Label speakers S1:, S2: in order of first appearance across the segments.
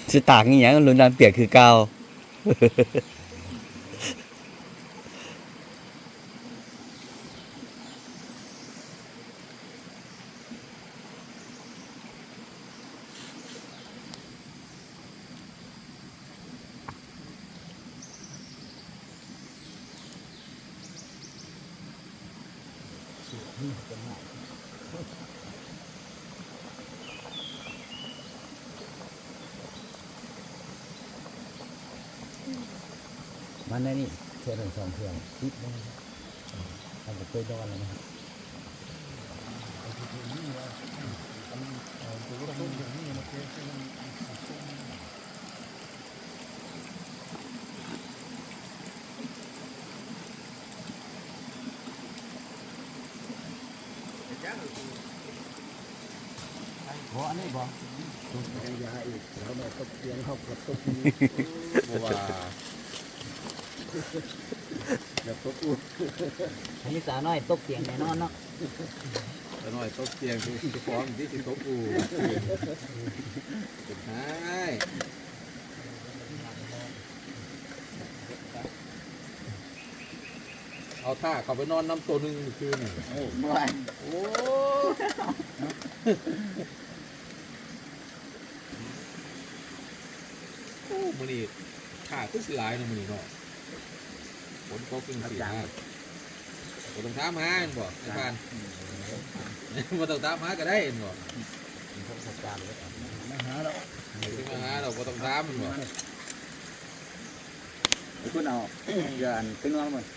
S1: สิต่างอีหยังลุงน้ำเปียกคือเก่า
S2: มันได้นี่เทื่อหนึ่งสองเทื่อติดได้ทำกับเคยดอนเลยนะครับบ่อันนี้บ่ต้องใช้ยาอีกแล้วแม่ตกเตียงเขากับตกนี้ว่าแบบตกอุ่นอันนี้สาวน้อยตกเตียงแน่นอนเนาะ
S3: สาวน้อยตกเตียงคือจะฟ้องที่จะตกอุ่นใช่เอาท่าเขาไปนอนน้ำตัวหนึ่งคืนหนึ่ง
S2: โอ้เมื่อวาน
S3: โอ้มือนี่ท่าคือสิหลายนะมือนี่เนาะฝนตกจริงสิฮะบ่ต้องถามหาบ่ไอ้พานบ่ต้องถามหาก็ได้บ่
S2: มาหาเรา
S3: มาหาเราบ่ต้องถามบ่
S2: ไอ้คุณเอาเดี๋ยวอันเป็นว่ามัน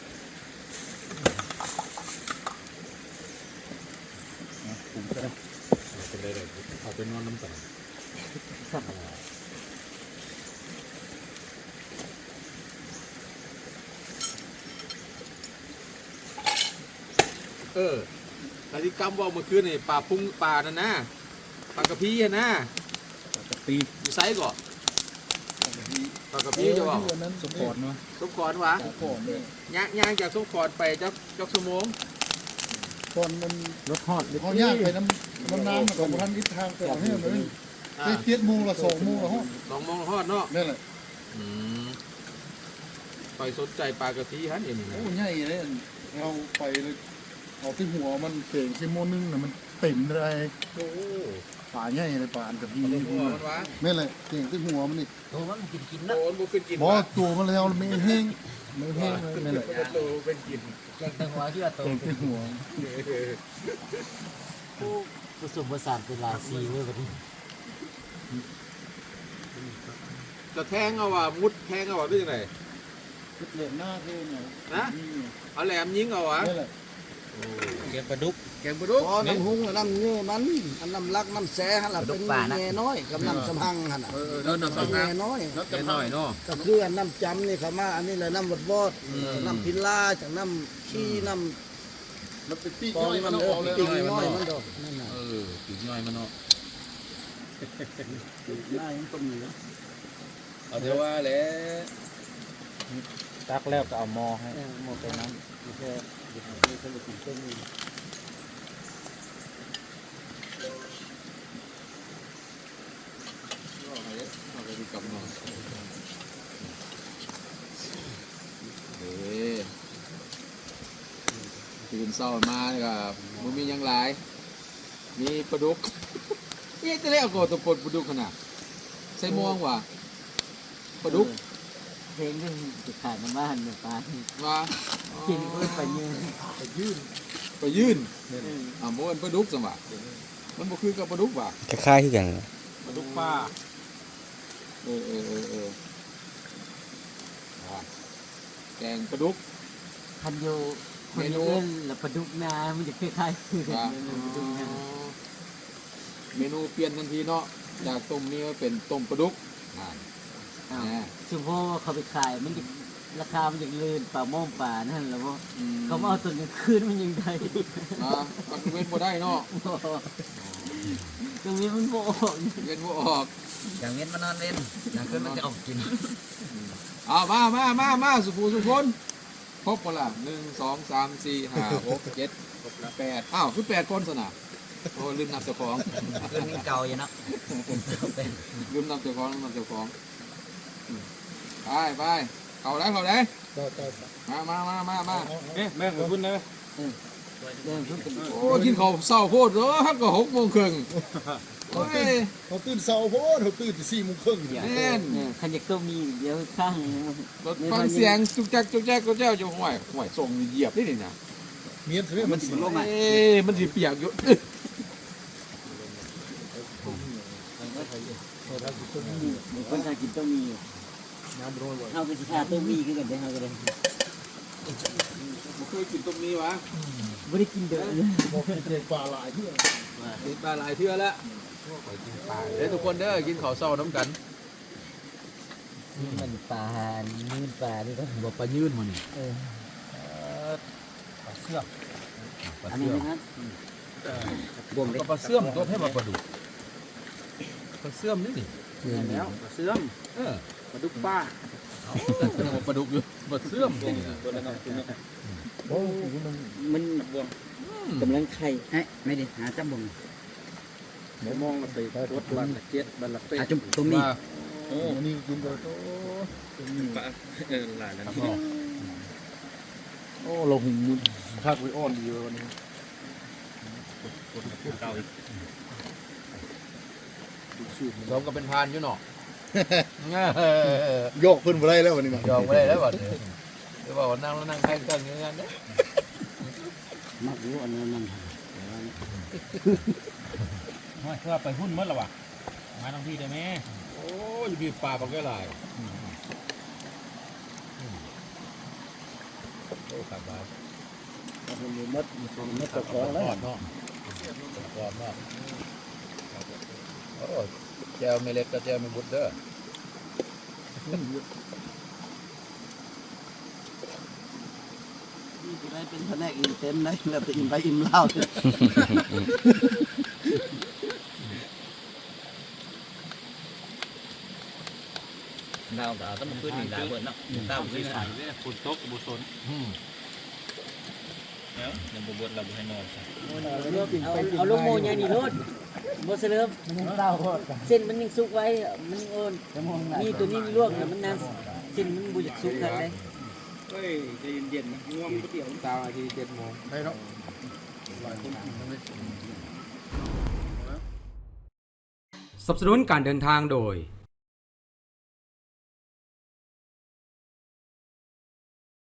S2: ผมก็ได้
S3: เป็นไรเลยเอาไปนอนน้ำตานาฬิกาว่าเมื่อคืนนี่ป่าพุ่งป่านั่นนะปลากระพี้นะ
S2: กะปี
S3: อยู่ไซก่อนปลากระพี้จะบอก
S2: สปอร์ตเนาะ
S3: สมขอนวะย่างจากสมขอนไปจักชั่วโมง
S2: ตอนมันรถฮอด
S4: เขาย่างไปน้ำกับท่านอิททางไปเอาให้มันได้เจ็ดโมงละ2 โมงละฮอด
S3: 2 โมงละฮอดเนาะ
S4: นั่นแหละ
S3: ไปสนใจปลากระพี้ฮันเอง
S4: โอ้ใหญ่เลยเราไปเลยเอาที่หัวมันเก่งชั่วโมงนึงน่ะมันเต็มเลย
S3: โอ้
S4: ป่าใหญ่เลยป่าอันกับพี่นี่
S3: นั่
S4: นแหละเก่งที่หัวมันนี่
S2: ตัวมันกินนะ
S3: โอ้บุกกิน
S4: บ่ตัวมันแล้วไม่แห้งไม่แห้งนั่นแหละ
S3: ตัวเป็นกิน
S2: เก่งตัวหัวที่ว่าตัว
S4: เก่งที่หัว
S2: ผสมผสานเป็นราศีเว้ยแบบนี้
S3: จะแทงเอาว่ะมุดแทงเอาว่ะได้ยังไง
S4: เหลี่ยมหน้าเท่เนี่ย
S3: นะเอาแหลมยิงเอาวะ
S2: แกงปลาดุก
S5: อ๋อน้ำหุ้งน้ำเนื้อมันอันน้ำลักน้ำแซ่ฮั่นล่ะเป็นแง่น้อยกับน้ำสำหังหั่นน่ะ
S3: น้ำสำหัง
S5: แง่น้อย
S3: แง่น้อยเนาะ
S5: ก็คืออันน้ำจำนี่เขามาอันนี้แหละน้ำวอดน้ำพิลาจากน้ำขี้น้ำ
S4: มันเป็นปีก
S5: น้อยมันปีกน้อยมันดอกนั่นน่ะ
S3: ปีกน้อยมันเนาะ
S5: หน้ายังต้มอยู่
S3: เอาเดี๋ยวว่าแหละ
S2: ตักแล้วก็เอาหม้อให้หม้อไปน้ำแค่มีคนกินเส้นนี้
S3: เอาไปดูกับหน่อยตื่นเช้ามาเลยครับมันมียังหลายมีปลาดุกนี่จะได้เอาตัวปลาดุกขนาดใส่ม่วงว่ะปลาดุก
S2: เพลงที่จะขายในบ้านเนี่ยป้า
S3: ว่า
S2: กินเพื่อไปยื
S3: นโมนปลาดุกสมัครมันบ่คือกับปลาดุกว่ะ
S1: คล้ายๆที่กัน
S3: ปลาดุกป้าแกงปลาดุก
S2: พันโยคนเล่นแล้วปลาดุกนามันจะคล้ายๆคือ
S3: เมนูเปลี่ยนทันทีเนาะจากต้มนี้เป็นต้มปลาดุก
S2: สมมติว่าเขาไปขายมันจะราคามันจะลื่นป่าม่อมป่านั่นแล้วว่าเขาเอาตัวนี้คืนมันยังได้
S3: มันเว้นบ่ได้เนาะ
S2: ตรงนี้มันโบออก
S3: เว้นบ่ออก
S2: อย่างเว้นมันนอนเล่นอย่างคืนมันจะออกกิน
S3: มาสุภูสุพนครบหมดละ1 2 3 4 5 6 7 8อ้าวคือ8 คนสนะโอ้ลืมนับเจ้าของ
S2: คือมีเก่าอยู่เนาะ
S3: ลืมนับเจ้าของลืมนับเจ้าของไปเอาได้มา
S4: เอ๊ะแม่งคุณนะ
S3: โอ้กินข้าวเศร้าโคตรเด้อฮักก็6 โมงครึ่งโอ้ย
S4: เขาตื่นเช้าโพดเขาตื่น4 โมงครึ่ง
S3: แน่น
S2: เนี่ยคันอยากต้องมีเดี๋ยวข้าง
S3: ฟังเสียงจุกจักก็เจ้าอยู่ห่วยส่งเหยียบได้นี่นะ
S4: เมียนเสียมันสิลง
S3: มันสิเปียกอยู่
S2: มีคนทากินต้องมี
S4: น้ำร้อน
S2: เฮาก็สิทาต้องมีคือกันเด้อเฮาก็ได้
S3: บ่เคยกินต้มนี้วะ
S2: บ่ได้กินเด้อ
S4: บอกเป็นเด็กปลาหลายที่
S3: กินปลาหลายเทื่อแล้วเด้อทุกคนเด้อกินข้าวเช้าน้ำกัน
S2: มันปลานื่นปลานี่ก็
S3: บ่ปลายืนมื้อนี้
S4: เสื้อ
S2: อันนี้นะครับ
S3: บ่มปลาเสื่อมตัวให้มาปลาดุกปลาเสื่อมนี่
S2: แล้วเสื่อม
S3: ปลาดุกป้าปลาดุกอยู่ปลาเสื่อมนี่นะ
S4: โอ้มัน
S2: มันกำลังไข่ไม่ได้หาจับบ่ง
S4: มองมาใส่รถบันละ7บันละ8
S2: จุ่มตรงนี้
S4: โอ้นี่กินไปโตปลาหลายแล้วโอ้เราหินคักไว้อ่อนดีวันนี้เก่าอีก
S3: สมก็เป็นพานอยู่เนาะ
S4: โยกขึ้นไปได้แล้ววันนี้นะ
S3: ยอมบ่ได้แล้วบัดนี้หรือว่านั่งแล้วนั่งแข่งกันอย่างนั้นเด้
S2: มักรู้อันนั้น
S6: เพื่อไปหุ้นเมื่อหรอวะมาทั้งที่ได้ไหม
S3: โอ้ยมีปลาปลาแก่หลายโอ้ครับครับ
S5: มันมีมัดตะขอแล้ว
S3: กรอบเนาะกรอบเนาะโอ้แจวไม่เล็กก็แจวไม่บุดเด้อ
S5: นี่จะได้เป็นแผนกอิ่มเต็มได้แล้วไปอิ่มไปอิ่มเหล้า
S1: ดาวก็ต้องขึ้นนี่ดาวเบิดเนาะดาวขึ้น
S6: ใส่เลยฝนตกบุษนแล้วยังบุบดเราบุให้นอน
S2: เอาลูกโมยนี่รถบ่เสลิมเส้นมันยังสุกไว้มันยังโอนนี่ตัวนี้ลวกน่ะมันนานเส้นมันบ่อยากสุกกันเลย
S6: เฮ้ยใจเย็นๆนะง่วงก๋วยเตี๋ยว
S3: ตามอาที7 โมง
S4: ได้เนาะหลายคนกินทั้งนี้
S7: สนับสนุนการเดินทางโดย